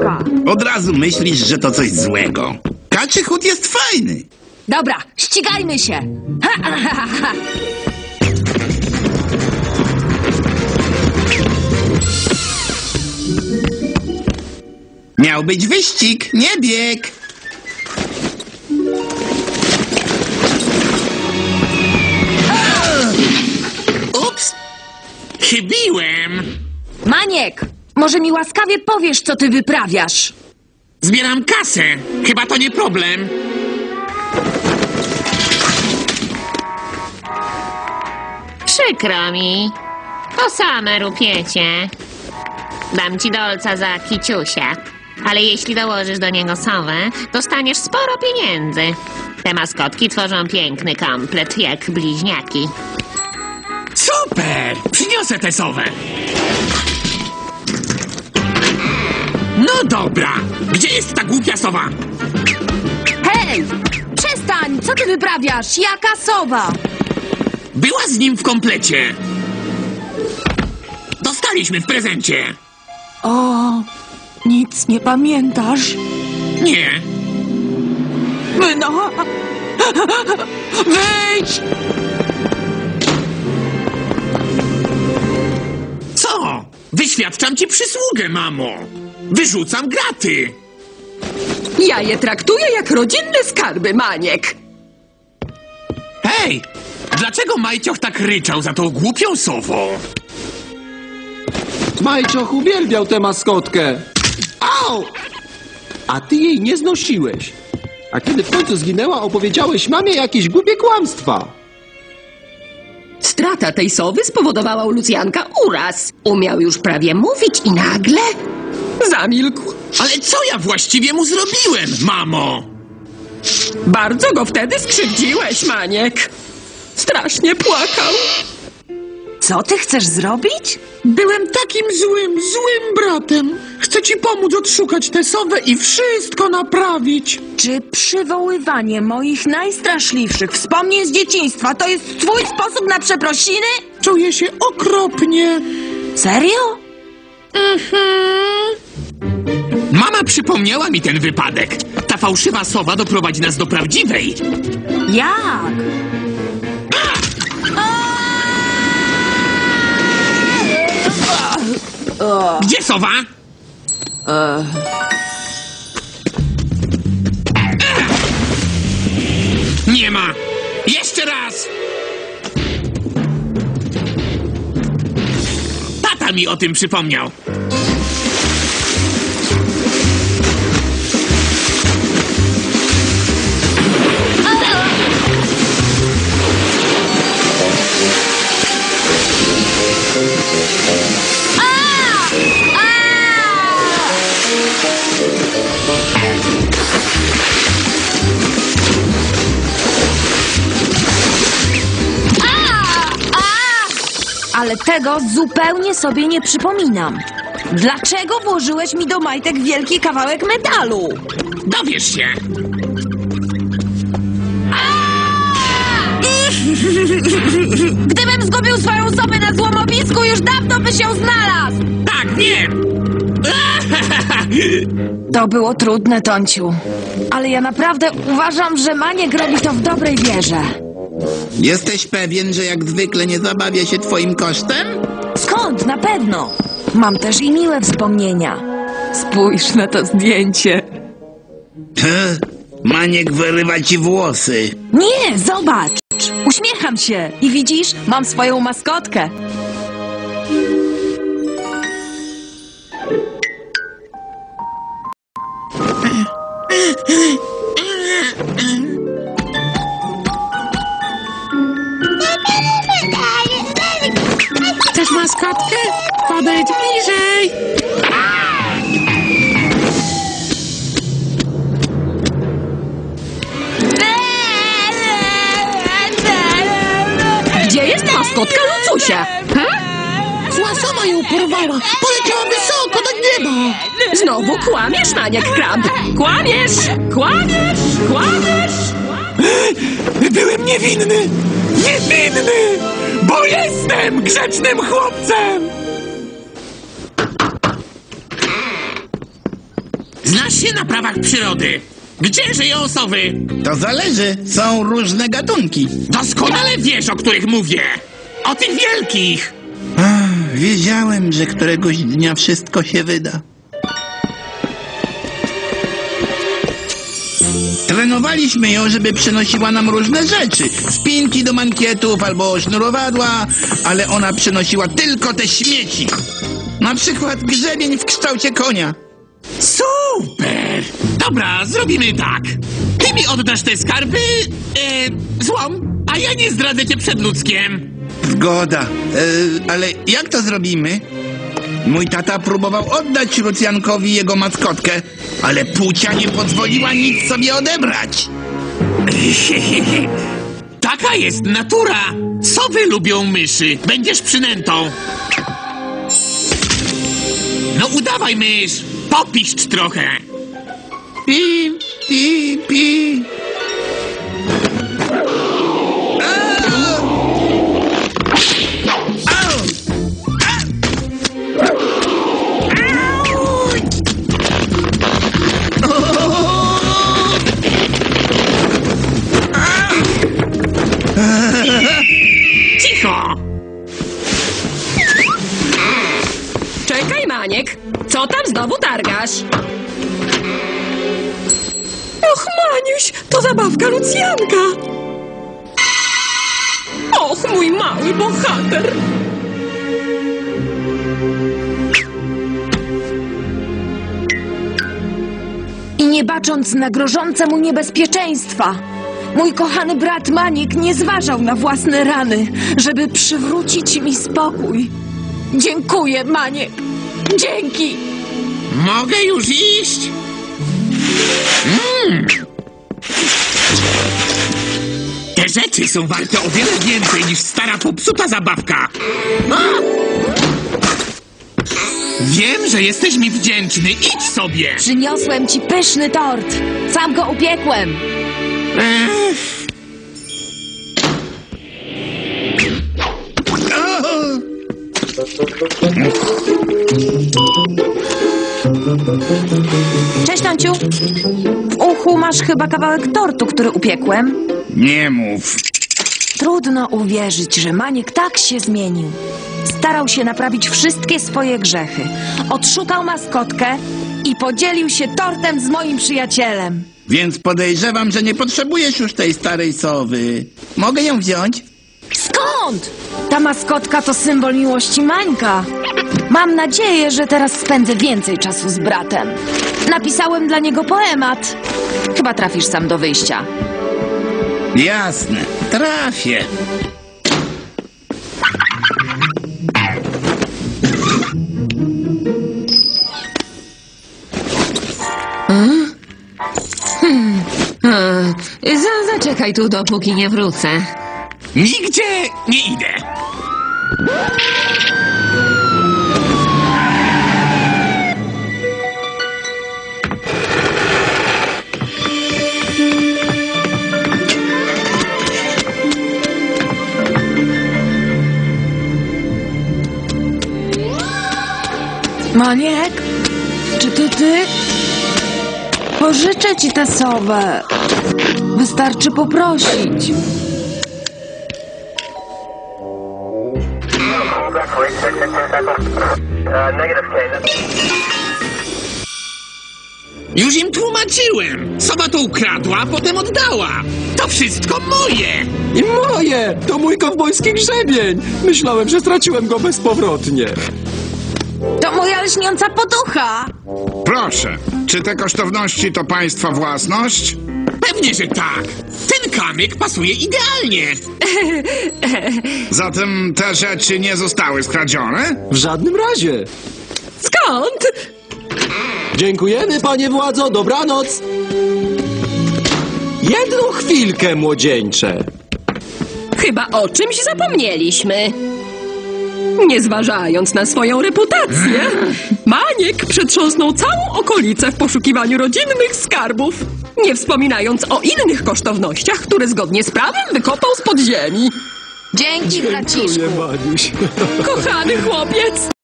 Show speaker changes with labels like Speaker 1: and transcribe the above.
Speaker 1: Sowa.
Speaker 2: Od razu myślisz, że to coś złego. Kaczy chód jest fajny.
Speaker 1: Dobra, ścigajmy się. Ha, ha, ha, ha.
Speaker 2: Miał być wyścig, nie bieg.
Speaker 3: Ups! Chybiłem!
Speaker 1: Maniek, może mi łaskawie powiesz, co ty wyprawiasz?
Speaker 3: Zbieram kasę. Chyba to nie problem.
Speaker 4: Przykro mi. To same rupiecie. Dam ci dolca za kiciusia. Ale jeśli dołożysz do niego sowę, dostaniesz sporo pieniędzy. Te maskotki tworzą piękny komplet, jak bliźniaki.
Speaker 3: Super! Przyniosę tę sowę. No dobra. Gdzie jest ta głupia sowa?
Speaker 1: Hej! Przestań! Co ty wyprawiasz? Jaka sowa?
Speaker 3: Była z nim w komplecie. Dostaliśmy w prezencie.
Speaker 1: O, nic nie pamiętasz?
Speaker 3: Nie.
Speaker 1: No! Wyjdź!
Speaker 3: Co? Wyświadczam ci przysługę, mamo. Wyrzucam graty.
Speaker 1: Ja je traktuję jak rodzinne skarby, Maniek.
Speaker 3: Hej! Dlaczego Majcioch tak ryczał za tą głupią sową?
Speaker 5: Majcioch uwielbiał tę maskotkę.
Speaker 3: Au!
Speaker 5: A ty jej nie znosiłeś. A kiedy w końcu zginęła, opowiedziałeś mamie jakieś głupie kłamstwa.
Speaker 6: Strata tej sowy spowodowała u Lucjanka uraz. Umiał już prawie mówić i nagle zamilkł.
Speaker 3: Ale co ja właściwie mu zrobiłem, mamo?
Speaker 6: Bardzo go wtedy skrzywdziłeś, Maniek. Strasznie płakał.
Speaker 1: Co ty chcesz zrobić?
Speaker 3: Byłem takim złym bratem. Chcę ci pomóc odszukać tę sowę i wszystko naprawić.
Speaker 1: Czy przywoływanie moich najstraszliwszych wspomnień z dzieciństwa to jest twój sposób na przeprosiny?
Speaker 3: Czuję się okropnie.
Speaker 1: Serio?
Speaker 3: Mama przypomniała mi ten wypadek. Ta fałszywa sowa doprowadzi nas do prawdziwej.
Speaker 1: Jak?
Speaker 3: Gdzie sowa? Nie ma. Jeszcze raz. Tata mi o tym przypomniał.
Speaker 1: Ale tego zupełnie sobie nie przypominam. Dlaczego włożyłeś mi do majtek wielki kawałek metalu?
Speaker 3: Dowiesz się.
Speaker 1: Gdybym zgubił swoją sobę na złomowisku, już dawno byś ją znalazł!
Speaker 3: Tak, wiem.
Speaker 1: To było trudne, Tonciu. Ale ja naprawdę uważam, że Maniek robi to w dobrej wierze.
Speaker 2: Jesteś pewien, że jak zwykle nie zabawia się twoim kosztem?
Speaker 1: Skąd? Na pewno. Mam też i miłe wspomnienia. Spójrz na to zdjęcie.
Speaker 2: Maniek wyrywa ci włosy.
Speaker 1: Nie, zobacz. Uśmiecham się. I widzisz, mam swoją maskotkę.
Speaker 3: Chcesz maskotkę? Podejdź bliżej.
Speaker 6: Gdzie jest maskotka Lucusia?
Speaker 3: Zła sowa ją porwała. Poleciała wysoko do nieba.
Speaker 6: Znowu kłamiesz, Maniek Krab. Kłamiesz! Kłamiesz! Kłamiesz!
Speaker 3: Byłem niewinny. Niewinny! Bo jestem grzecznym chłopcem. Znasz się na prawach przyrody. Gdzie żyją sowy?
Speaker 2: To zależy, są różne gatunki.
Speaker 3: Doskonale wiesz, o których mówię. O tych wielkich.
Speaker 2: Wiedziałem, że któregoś dnia wszystko się wyda. Trenowaliśmy ją, żeby przynosiła nam różne rzeczy. Spinki do mankietów albo sznurowadła, ale ona przynosiła tylko te śmieci. Na przykład grzebień w kształcie konia.
Speaker 3: Super! Dobra, zrobimy tak. Ty mi oddasz te skarby, złom, a ja nie zdradzę cię przed ludzkiem.
Speaker 2: Zgoda. Ale jak to zrobimy? Mój tata próbował oddać Lucjankowi jego maskotkę, ale Pucia nie pozwoliła nic sobie odebrać.
Speaker 3: Taka jest natura. Sowy lubią myszy. Będziesz przynętą. No udawaj, mysz. Popiszcz trochę.
Speaker 2: Pi, pi, pi.
Speaker 3: Cicho!
Speaker 6: Czekaj, Maniek. Co tam znowu targasz? Och, Maniuś, to zabawka Lucjanka. Och, mój mały bohater.
Speaker 1: I nie bacząc na grożące mu niebezpieczeństwa, mój kochany brat Maniek nie zważał na własne rany, żeby przywrócić mi spokój. Dziękuję, Maniek. Dzięki.
Speaker 3: Mogę już iść? Te rzeczy są warte o wiele więcej niż stara popsuta zabawka. A! Wiem, że jesteś mi wdzięczny. Idź sobie.
Speaker 1: Przyniosłem ci pyszny tort. Sam go upiekłem. Cześć, Tonciu. W uchu masz chyba kawałek tortu, który upiekłem.
Speaker 2: Nie mów.
Speaker 1: Trudno uwierzyć, że Maniek tak się zmienił. Starał się naprawić wszystkie swoje grzechy. Odszukał maskotkę i podzielił się tortem z moim przyjacielem.
Speaker 2: Więc podejrzewam, że nie potrzebujesz już tej starej sowy. Mogę ją wziąć?
Speaker 1: Skąd? Ta maskotka to symbol miłości Mańka. Mam nadzieję, że teraz spędzę więcej czasu z bratem. Napisałem dla niego poemat. Chyba trafisz sam do wyjścia.
Speaker 2: Jasne, trafię.
Speaker 4: Zaczekaj tu, dopóki nie wrócę.
Speaker 3: Nigdzie nie idę.
Speaker 1: Maniek, czy to ty? Pożyczę ci tę sowę. Wystarczy poprosić.
Speaker 3: Już im tłumaczyłem. Sowa to ukradła, a potem oddała. To wszystko moje.
Speaker 5: I moje! To mój kowbojski grzebień! Myślałem, że straciłem go bezpowrotnie.
Speaker 1: To moja lśniąca poducha.
Speaker 7: Proszę, czy te kosztowności to państwa własność?
Speaker 3: Pewnie, że tak. Ten kamyk pasuje idealnie.
Speaker 7: Zatem te rzeczy nie zostały skradzione?
Speaker 5: W żadnym razie.
Speaker 6: Skąd?
Speaker 5: Dziękujemy, panie władzo, dobranoc. Jedną chwilkę, młodzieńcze.
Speaker 6: Chyba o czymś zapomnieliśmy. Nie zważając na swoją reputację, Maniek przetrząsnął całą okolicę w poszukiwaniu rodzinnych skarbów, nie wspominając o innych kosztownościach, które zgodnie z prawem wykopał z podziemi.
Speaker 1: Dzięki, braciszku.
Speaker 5: Dziękuję, Maniuś.
Speaker 6: Kochany chłopiec!